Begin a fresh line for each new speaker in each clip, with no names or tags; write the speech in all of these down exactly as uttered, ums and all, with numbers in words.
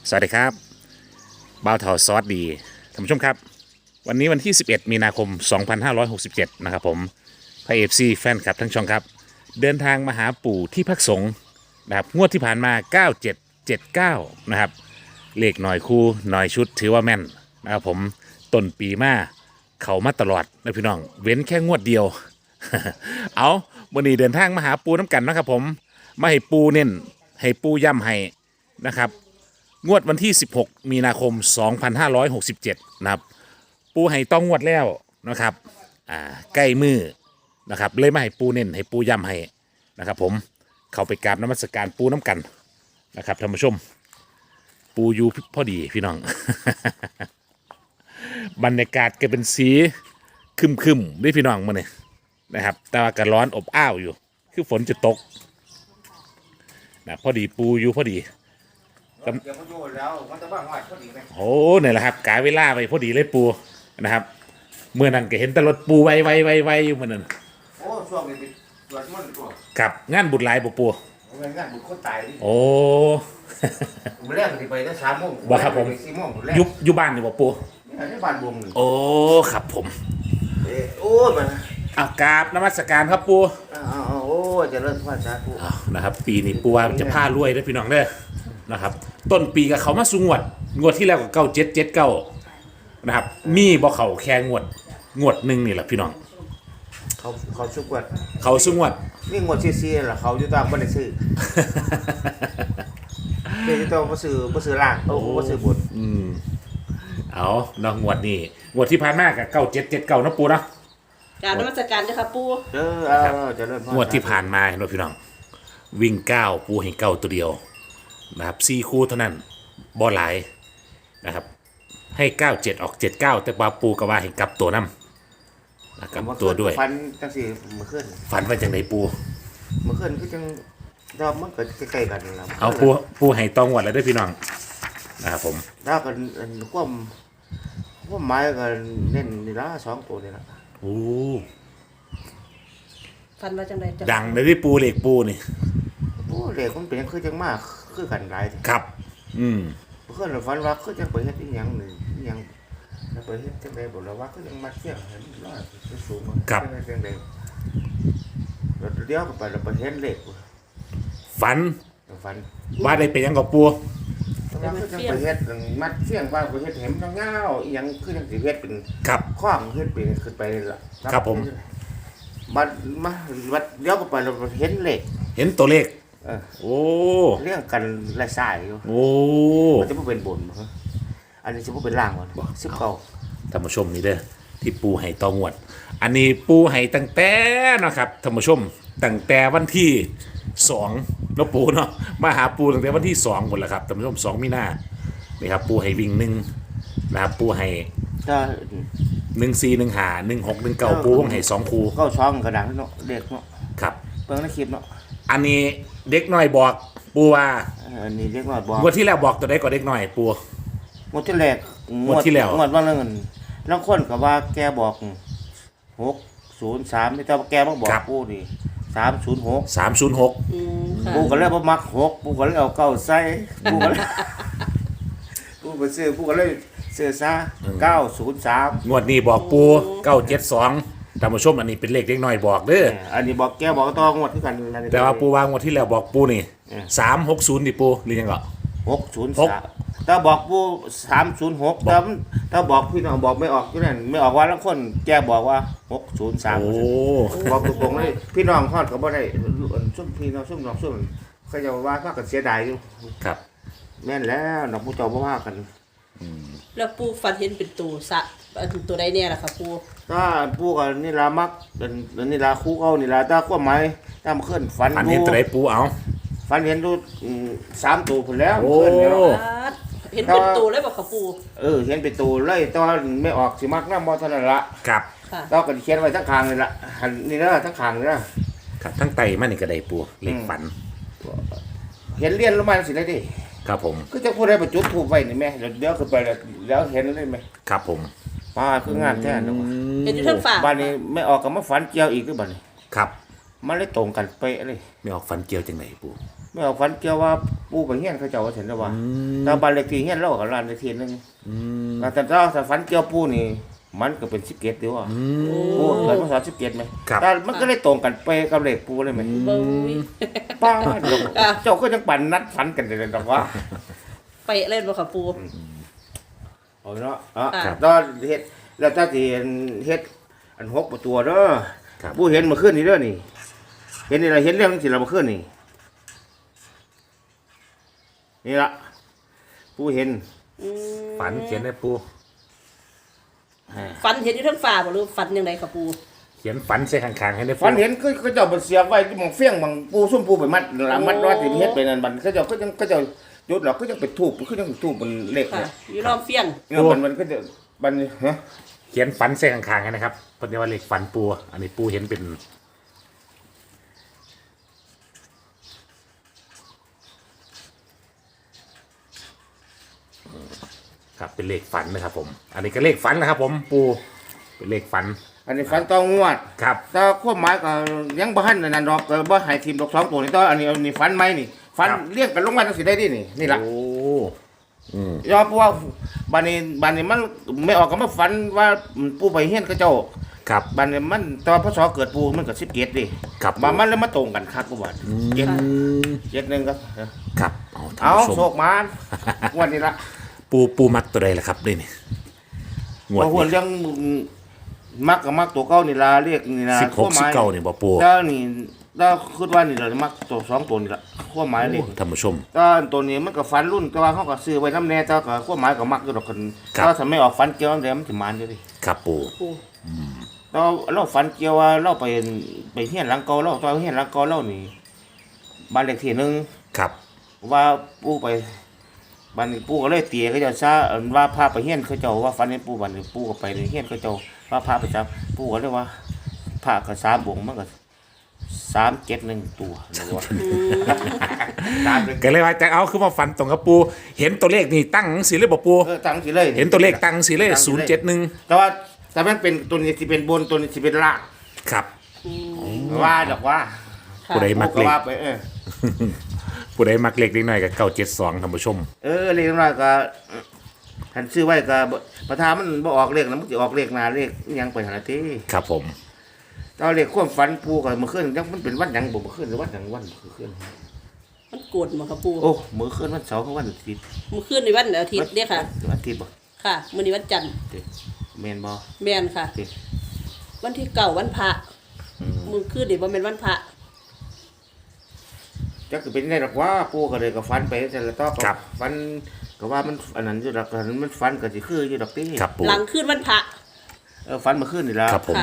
สวัสดีครับบ่าวเถาซอสดีท่านผู้ชมครับวันนี้วันที่สิบเอ็ดมีนาคมสองพันห้าร้อยหกสิบเจ็ดนะครับผมพระเอฟซีแฟนคลับทั้งช่องครับเดินทางมาหาปู่ที่พักสงฆ์นะครับงวดที่ผ่านมาเก้าเจ็ดเจ็ดเก้านะครับเลขหน่อยคู่หน่อยชุดถือว่าแม่นนะครับผมต้นปีมาเขามาตลอดนะพี่น้องเว้นแค่งวดเดียว เอาวันนี้เดินทางมาหาปูน้ำกันนะครับผมมาให้ปูเน้นให้ปูย่ำให้นะครับงวดวันที่สิบหกมีนาคมสองพันห้าร้อยหกสิบเจ็ดนะครับปูให้ต้องงวดแล้วนะครับอ่าใกล้มือนะครับเลยมาให้ปูเน้นให้ปูย่ำให้นะครับผมเข้าไปกราบนมัสการปูน้ำกันนะครับท่านผู้ชมปูอยู่พอดีพี่น้อง บรรยากาศก็เป็นสีคึมคึมด้วยพี่น้องมาเนี่ยนะครับแต่ว่าก็ร้อนอบอ้าวอยู่คือฝนจะตกนะพอดีปูอยู่พอดีเดี๋ยวเขาโยนแล้วมันจะบ้างหอยพอดีไหมโอ้เนี่ยแหละครับกาเวลาไปพอดีเลยปูนะครับเมื่อนั้นก็เห็นแต่รถปูไวไวไวไวอยู่เมื่อนั้นโอ้ช่วงนี้เป็นสวดมนต์ตัวกับงานบุญหลายปูปูงานบุญคนตายโอ้ผมแรกไปได้สามโมงบ่ครับผมยุบยุบบ้านนี่บ่ปูนี่บ้านวงโอ้ครับผมโอ้มาอากราบนมัสการครับปูโอ้จะเริ่มว่าจ้าปูนะครับปีนี้ปูว่าจะผ้ารวยได้พี่น้องเด้อนะครับต้นปีกับเขามาสูงวดงวดที่แล้วกับเก้าเจ็ดเจ็ดเก้านะครับมีบ่เขาแค่งวดงวดหนึ่งนี่แหละพี่น้อง
เขาเขาสุกวด
เขาสูงวด
นี่งวดซีซีล่ะเขาอยู่ตามบ้านซื้อเดี๋ยวจะต้องมาซื้อมาซื้อล่างโอ้มาซื้อบน
อืมเอาเนาะงวดนี้งวดที่ผ่านมากับเก้าเจ็ดเจ็ดเก้านะปูนะ
การนมัสการเจ้าค่ะปู
เออเออจะเริ่ม
งวดที่ผ่านมาเนาะพี่น้องวิ่งเก้าปูให้เก้าตัวเดียวนะครับสี่คู่เท่านั้นบ่หลายนะครับให้เก้าเจ็ดออกเจ็ดเก้าแต่ปลาปูกระว่าให้กลับตัวน้ำกลับตัวด้วย
ฟันจังสีเมื่อคืน
ฟันไปจังไหนปู
เมื่อคืนก็จังดาวมันเกิดใกล้ๆกันแล้ว
เอาปูปูให้ตองวัดแล้วด้วยพี่น้องนะครับผม
ดาวกันควมควมไม้กันเน้นนี่ละสองตัวนี่ละ
โอ้
ฟันมาจังไหน
ดังเลยที่ปูเหล็กปูนี่
โอ้เหล็กมันเป็นคือจังมากคือกันหลาย
ครับอืม
เมื่อคืนเราฟันว่าคือจังไปเฮ็ดอีหยังหนึ่งอีหยังแล้วไปเฮ็ดจังใดบอกเราว่าคือจังมัดเสียงเห็นร้อยสูงๆครับจังใดเราเดี๋ยวก็ไปเราไปเฮ็ดเหล็ก
ฟัน
ฟัน
ว่าได้เป็นยังกับปู
แต่ว่าคือจังไปเฮ็ดมัดเสียงว่าไปเฮ็ดเห็มเงาๆอีหยังคือจังสิเฮ็ดเป็น
ครับ
ข้องเฮ็ดเป็นขึ้นไปล่ะ
ครับผม
บัดมาบัดเดี๋ยวก็ไปเราเห็นเหล็ก
เห็นตัวเลข
เออ
โอ้
เรื่องกันลายสายอยู่
โอ้
มันจะไม่เป็นบนมั้งอันนี้จะไม่เป็นล่างวะสิบเก้า
ท่านผู้ชมนี่เด้อที่ปูให้ตองวดอันนี้ปูให้ตั้งแต่นะครับท่านผู้ชมตั้งแต่วันที่สองแล้วปูเนาะมาหาปูตั้งแต่วันที่สองหมดแล้วครับท่านผู้ชมสองมีนานี่ครับปูให้วิ่งหนึ่งนะครับปูให้หนึ่งสี่หนึ่งหาหนึ่งหกหนึ่งเก้าปูต้องให้สองคู
เก้าช่องกระดังเนาะเด็กเนาะ
ครับ
เปิดในคลิปเนาะ
อันนี้เด็กน้อยบอกปูว่า
อันนี้เด็กน้อยบอก
งวดที่แล้วบอกตัวใดก็เด็กน้อยปู
งวดที่แรก
งวดที่แล้ว
งวดว่าเงินแล้วคนกับว่าแกบอกหกศูนย์สามไม่ต้องแกมาบอกปูนี่สามศูนย์หก
สามศูนย์หก
ปูก็เลยบ่มักหกปูก็เลยเอาเก้าใส่ปูก็เลยปูไปซื้อปูก็เลยเสื้อซาเก้าศูนย์สาม
งวดนี้บอกปูเก้าเจ็ดสองท่านผู้ชมอันนี้เป็นเลขเล็กน้อยบอกเด้อ
อันนี้บอกแกบอกต้องงวดที่กัน
แต่ว่าปูวางงวดที่แล้วบอกปูนี่สามหกศูนย์ดิปูหรือยังก็
หกศูนย์สามถ้าบอกปูสามศูนย์หกถ้าถ้าบอกพี่น้องบอกไม่ออกที่นั่นไม่ออกว่าแล้วคนแกบอกว่าหกศูนย์สาม
โอ้
บอกตรงๆเลยพี่น้องทอดก็บ่ได้ซุ่มพี่น้องซุ่มน้องซุ่มเขาจะว่าว่ากันเสียดายอยู่
ครับ
แม่นแล้วน้องผู้เจ้าบ่ว่ากัน
แล้วปูฟันเห็นเป็นตัวสะตัวใดเนี่ยล่ะครับปู
ถ้าปูกับนี่ลามักเป็นนี่ลาคู่เอานี่ลาตาขั้วไม้ตามขึ้นฝัน
ฝันเห็นตัวใดปูเอา
ฝันเห็นดูสามตัวผลแล้ว
โอ้
เห็นเป็นตัวเลยบอกครับปู
เออเห็นเป็นตัวเลยตอนไม่ออกสิมักน้ำมอเท่านั้นละ
ครับ
ตอนกันเขียนไว้ทั้งคางเลยละหันนี่นะทั้งคางเลยนะครับ
ทั้งไตมันนี่ก็ได้ปูเล็กฝัน
เห็นเลี้ยนลงมาสิได้ดิ
ครับผม
ก็จะพูดได้ประจุถูกไว้นี่แม่เดี๋ยวขึ้นไปแล้วเห็นได้ไหม
ครับผม
ป้าคืองานแท้นะ
เห็นอยู่ทั้งฝา
บ้านนี้ไม่ออกกับมาฝันเกี่ยวอีกหรือบ้านนี้
ครับ
มันเลยตรงกันเป๊ะเลย
ไม่ออกฝันเกี่ยวจังไหนปู
ไม่เอาฝันเกี่ยวว่าปูไปเฮียนเขาเจ้าว่าเห็นแล้วว่า
อืม
แต่บ้านเลขที่เฮียนเราก็ล้านเลขที่นึง
อืม
แต่ถ้าถ้าฝันเกี่ยวปูนี่มันก็เป็นสิบเกตเดียวอ่ะ
อืม
ปูเกิดมาสอนสิบเกตไหม
ครับ
แต่มันก็เลยตรงกันไปกับเลขปูเลยไหม
เบิ้ง
ป้าดอกเจ้าก็ยังปั่นนัดฝันกันเลยดอกว่า
ไปเล่นบ่ค่ะปู
เอาเนาะอ่ะ
ครับ
ตอนเฮ็ดแล้วถ้าที่เฮ็ดอันหกประตูเด้อ
ครับ
ปูเห็นเมื่อคืนนี้เด้อนี่ เห็นนี่ล่ะเห็นเรื่องสิเราเมื่อคืนนี่นี่ล่ะปูเห็น
อืม
ฝันเขียนให้ปู
ฝันเห็นอยู่ทั้งฟ้าบ่หรือฝันยังไงค่ะปู
เขียนฝันใส่ข้างๆให้ได้ปู
ฝันเห็นคือเขาเจ้าบ่เสียบไว้ที่หมองเฟี้ยงบางปูซุ่มปูไปมัดหลังมัดรอดที่เฮ็ดไปนั่นบัดเขาเจ้าก็ยังเขาเจ้าจุดหรอกก็ยังไปทูบก็ยังทูบมันเล็ก
ค่ะ
เนี่ย
อยู่รอบเฟียง
เนี่ยมันมันก็จะมันฮะ
เขียนฝันใส่ข้างๆให้นะครับเพราะว่าเลขฝันปูอันนี้ปูเห็นเป็นครับเป็นเลขฝันนะครับผม อันนี้ก็เลขฝันนะครับผมปูเป็นเลขฝัน
อันนี้ฝันต้องงวด
ครับ
แต่ความหมายก็ยังบ่ทันนั่นดอกก็บ่ให้ทีมดอกสองตัวนี่ต่ออันนี้อันนี้ฝันใหม่นี่ฝันเรียกกันลงมาจังสิได้ดินี่นี่ล่ะ
โอ้อืม
ยอมเพราะว่าบัดนี้บัดนี้มันไม่ออกก็มาฝันว่าปู่ไปเฮียนเขาเจ้า
ครับ
บัดนี้มันตอนพศเกิดปู่มันก็สิบเจ็ดดิ
ครับ
บามันเลยมาตรงกันคักกูว่าเจ็ด
อืม
เจ็ดหนึงครับ
ครับเอาท่าน
เอา
ผู้ช
โช
ม
คมานงวันนี้ละ
ปูปูมักตัวใดล่ะครับนี่นี่งวด
บางคน
นี้
ยังมักกับมักตัวเก่านี่ล่ะเรียกนี่ล่ะ
สิบหกสิบเก้านี่บ่ปู
แล้วนี่แล้วคิดว่านี่ล่ะมักตัวสองตัวนี่ล่ะความหมายนี่
โอ้ท่านผู้ชม
ตอนตัวนี้มันก็ฟันรุ่นแต่ว่าเขาก็ซื้อไว้น้ำแน่แต่ก็ความหมายก็มักอยู่ดอกกัน
ครับ
ถ้าทำไม่ออกฟันเกี่ยวน้ำแดงมันสิมานอยู่ดิ
ครับปู
ปู
เราเราฟันเกี่ยวว่าเราไปไปเฮียนหลังเก่าเราตอนเฮียนหลังเก่าเรานี่บ้านเลขที่หนึ่ง
ครับ
ว่าปู่ไปบ้านนี้ปู่ก็เลยเตี๋ยเขาเจ้าซะอันว่าพาไปเฮียนเขาเจ้าว่าฟันให้ปู่บ้านนี้ปู่ก็ไปเฮียนเขาเจ้าว่าพาไปจับปู่ก็เลยว่าพาก็สามบวงมันก็สามเจ็ดหนึ่งตัวนะว่าตามเลย
ก็เลยว่าจะเอาคือมาฝันตรงกับปูเห็นตัวเลขนี่ตั้งสีเลยบ่ปู
เออตั้งสิเลย
เห็นตัวเลขตั้งสีเลยศูนย์เจ็ดหนึ่ง
แต่ว่าแต่มันเป็นตัวนี้ที่เป็นบนตัวนี้ที่เป็นล่าง
ครับ
ว่าดอกว่า
ค่ะ
ผู้ใดมัก
ก็
เลข
ว่าไปเออ
ผู้ใดมักเลขเล็กน้อยกับเก้าเจ็ดสองท่านผู้ชม
เออเลขน้อยก็หันซื้อไว้ก็บ่ประธานมันบ่ออกเลขนะมันสิออกเลขหน้าเลขอิหยังไปหาที
ครับผม
ตอนเลขความฝันปูก็เมื่อคืนจังมันเป็นวันหยังบ่เมื่อคืนหรือวันหยังวันเมื่อคืน
มันโกรธบ่ค่ะปู
โอ้เมื่อคืนวันเสาร์กับวันอาทิตย์
เมื่อคืนในวันอาทิตย์เด้อค่ะ
วันอาทิตย์บ่
ค่ะมื้อนี้วันจันทร์
เด้แม่นบ่
แม่นค่ะ
เด้
วันที่เก้าวันพระมื้อคืนนี่บ่แม่นวันพระ
จักสิเป็นได้ดอกว่าปูก็เลยก็ฝันไปแต่ละต่อก็
ครับ
ฝันก็ว่ามันอันนั้นอยู่ดอกอันนั้นมันฝันก็สิคืออยู่ดอกติ
ครับปู
หลังคืนวันพระ
เออฝันเมื่อคืนนี่ล่ะ
ครับผม
ค่ะ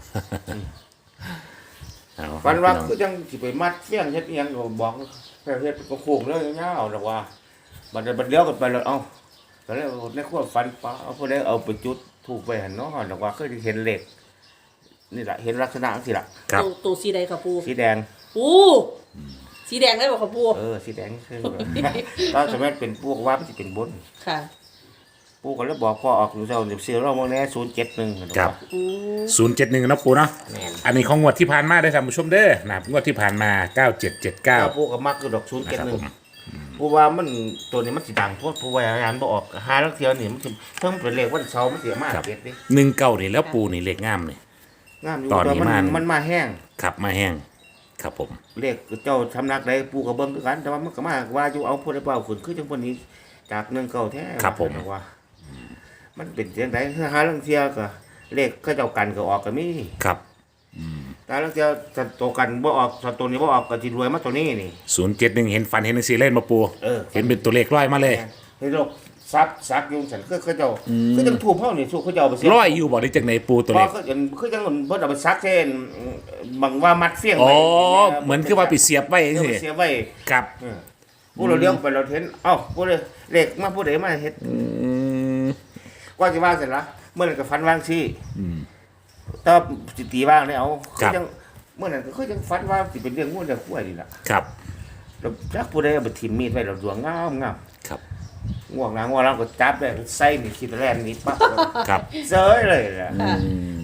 เอา
ฝันว่า
พี่
คือ
อง
จังสิไปมัดเฟี้ยงเฮ็ดอีหยังก็บอกแค่เฮ็ดก็โค้งเลยยาวๆดอกว่าบัดเดี๋ยวบัดเลี้ยวกันไปแล้วเอ้าก็เลยในความฝันป้าเอาผู้ใดเอาไปจุดถูกไปหั่นเนาะดอกว่าเคยเห็นเลขนี่ล่ะเห็นลักษณะจังซี่ล่ะ
ครับ
ตัวตัวสีใดค่ะปู
สีแดง
ปูสีแดงได้บ่ค่ะปู
เออสีแดงคือตอนสมัยเป็นพวกว่ามันสิเป็นบน
ค่ะ
ปู่ก็เลยบอกพ่อออกอยู่เจ้าเดี๋ยวซื้อเราบ่แน่ศูนย์เจ็ดหนึ่ง
ครับ
อืม
ศูนย์เจ็ดหนึ่งนะปูเนาะอันนี้ของงวดที่ผ่านมาได้อท่านผู้ชมเด้อนะครับงวดที่ผ่านมาเก้าเจ็ดเจ็ดเก้า
เก้าปู่ก็มักคือดอกศูนย์เจ็ด
นะครับ
หนึ่
ผ
ง
ม
ปู่ว่ามันตัวนี้มันสิดังโพดปู่ว่าอ่านบ่ออกหาลักเที่ยวนี่มันสิเพิ่งเป็นเลขวันเสาร์มันสิมาเก็ดดิ
หนึ่งเก้านี่แล้วปูนี่เลขงามนี่
งามอยู่
ตอนนี้
แต่
มัน
มันมาแห้ง
ขับมาแห้งครับผม
เลขเจ้าทำนักใดปู่ก็เบิ่งคือกันแต่ว่ามันก็มาว่าอยู่เอาผู้ใดเปล่าขึ้นคือจังคนนี้จากหนึ่งเก้าแท้
ครับผม
ว่า มันเป็นจังได๋หาลังเที่ยวก็เลขเขาเจ้ากันก็ออกก็มี
ครับ
แต่ลังเที่ยวถ้าตัวกันบ่ออกถ้าตัวนี้บ่ออกก็สิรวยมาตัวนี้นี่
ศูนย์เจ็ดหนึ่งเห็นฟันเห็นสีเล่นมาปู
เออ
เห็นเป็นตัวเลขร้อยมาเลย
เห็นดอกซักซักอยู่ฉันคือเขาเจ้าคือจังถูกเฮานี่ถูกเขาเจ้าเอาไปเสีย
ร้อยอยู่บอกได้จากไหนปูตัว
เพ
เล
ราะ
ข
เขาเห็นคือจังเพิ่นเอาไปซักเช่นบางว่ามัดเฟี้ยง
อ๋อ
ไว้
เหมือนคือว่าไปเสียบไว้
เออ
สิ
ไปเสียไว้
ครับ
เออผู้เราเลี้ยงไปเราเห็นเอ้าผู้ใดเลขมาผู้ใดมาเฮ็ด
อืม
กว่าสิว่าเสร็จละเมื่อนั้นก็ฟันวางซี่แต่ว่าสิตีว่างได้เอาคือจังเมื่อนั้นก็คือจังฟันว่าสิเป็นเรื่องงูเรื่องกล้วยนี่ล่ะ
ครับ
แล้วจักผู้ใดเอาไปทิ่มมีดไว้เราดวงงามงาม
ครับ
ง่วงหลังง่วงหลังก็จับได้ใส่นี่คิดแล่นนี่ปั๊บ
ครับ
เซยเลยล่ะ
อืม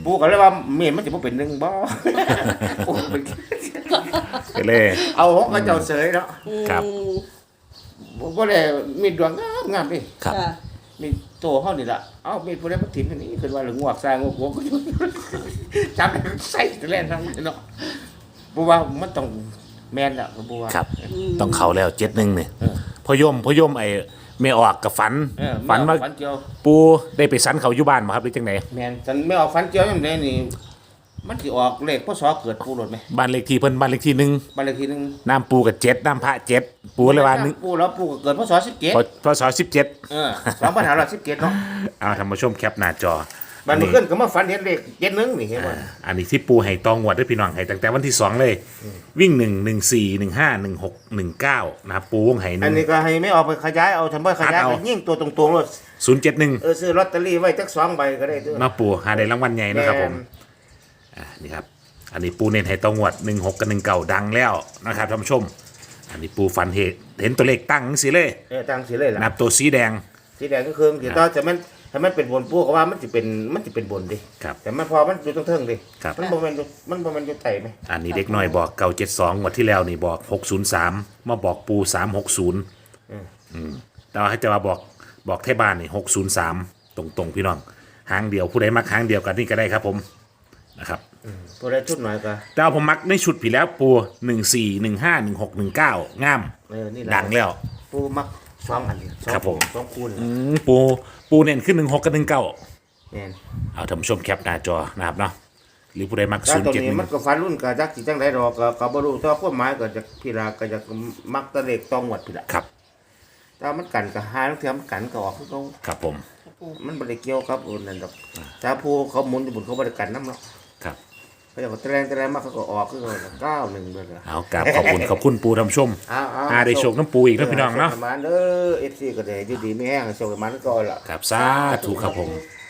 ปูก็เลยว่าเมียมันจะบ่เป็นหนึ่งบ่ ปูเป็น
ก็เลย
เอาของเขาเจ้าเสยเนาะ
ครับ
อืม
บ่ได้มีดวงงามงามดิ
ครับ
ค่ะ
มีโตเฮานี่ล่ะเอ้ามีผู้ใดมาถิ่มอันนี้คือว่าหรืองวกสร้างงวกก็อยู่ จับใส่แล่นทั้งเนาะบ่ว่ามันต้องแม่นล่ะบ่ว่า
ครับ ต้องเขาแล้วเจ็ดหนึ่งเนี่ย
เออ
พอยมพอยมไอ้ไม่ออกกับฝัน
เออ
ฝันว่า
ฝันเกี่ยว
ปูได้ไปสันเขาอยู่บ้านมาครับหรือจังไหน
แม่นฉันไม่ออกฝันเกี่ยวยังไดนี่มันสิออกเลขพศเกิดปูรถไหม
บ้านเลขที่เพิ่นบ้านเลขที่หนึ่ง
บ้านเลขที่หนึ่ง
น้ำปูกับเจ็ดน้ำพระเจ็ดปูเลยว่าหนึ่ง
ปูแล้วปูก็เกิดพศสิบเจ็ด
พพศสิบเจ็ด
เออสองพันห้าร้อยสิบเจ็ดเนาะ
เอาท่านผู้ชมแคปหน้าจอ
บันนี้ขึ้นก็มาฝันเห็นเลขเจ็ดหนึ่งนี่เห็นบ่
อ่าอันนี้ที่ปูให้ตองวดด้วยพี่น้องให้ตั้งแต่วันที่สองเลย วิ่งหนึ่งหนึ่งสี่หนึ่งห้าหนึ่งหกหนึ่งเก้านะครับปูวงไห้ห
อั
นึ่
น
ง
นี้ก็ให้ไม่ออกไปขยายเอาทำไมขยาย
เอา
ไปยิ่งตัวตรงๆเลย
ศูนย์เจ็ดหนึ่ง
เออซื้อลอตเตอรี่ไว้จักสองใบก็ได้ด้วย
มาปูหาได้รางวัลใหญ่นะครับผม
แม่น
อ่านี่ครับอันนี้ปูเน้นให้ตองวดหนึ่งหกกับหนึ่งเก้าดังแล้วนะครับท่านผู้ชม อันนี้ปูฟันเหตุเห็นตัวเลขตั้งสิเลย
เออตังสีเลยล่ะ
นับตัวสีแดง
สีแดงก็คือเดี๋ยวต่อจะมันถ้ามันเป็นบนปูก็ว่ามันจะเป็นมันจะเป็นบนดิ
ครับ
แต่มันพอมันอยู่ตรงเทิงดิ
ครับ
มันบ่แม่นอยู่มันบ่แม่นอยู่ไตไหม
อันนี้เด็กน้อยบอกเก้าเจ็ดสองงวดที่แล้วนี่บอกหกศูนย์สามมาบอกปูสามหกศูนย์แต่ว่าให้จะมาบอกบอกเทบ้านนี่หกศูนย์สามตรงตรงๆพี่น้องหางเดียวผู้ใดมักหางเดียวกันนี่ก็ได้ครับผมนะครับ
ตัวได้ชุดหน่อยก็
แต่ว่าผมมักในชุดผีแล้วปูหนึ่งสี่หนึ่งห้าหนึ่งหกหนึ่งเก้างาม
เออนี่แหละ
ดังแล้ว
ปูมักสองอันนี้สอง
ครับผม
สองคูณ
อืมปูปูเน้นขึ้นหนึ่งหกกับหนึ่งเก้า
แม่น
เอาท่านผู้ชมแคปหน้าจอนะครับเนาะหรือผู้ใดมัก
แต่
ศูนย์
ตรง
เจ็ดห
นี้
นึ่ง
มันก็ฟันรุ่นก็จักสิจังได๋ดอกก็ก็บ่รู้แต่ว่าความหมายก็จะพี่ลาก็จะมักแตะเลขตองหวดพี่ละ
ครับ
แต่ว่ามันกันก็หาทั้งเทียมมันกันก็ออกคือเขา
ครับผม
มันบ่ได้เกี่ยวกับอุ่นนั่นดอกถ้าผู้เขาหมุนอยู่บนเขาบ่ได้กันนำเนาะ
ครับ
เขาจะก็แตรงแตรงมาเขาก็ออกคือเขาเก้าหนึ่งเบิดละ
เอากราบขอบคุณขอบคุณปูท่านผู้ชม
อ้าวๆ
หาได้โชคน้ำปูอีกนะพี่น้องเนาะ
โชคประมาณเด้อ เอฟ ซี ก็ได้อยู่ดีมีแห้งโชคประมาณก็ล่ะ
ครับสาธุครับผม
ค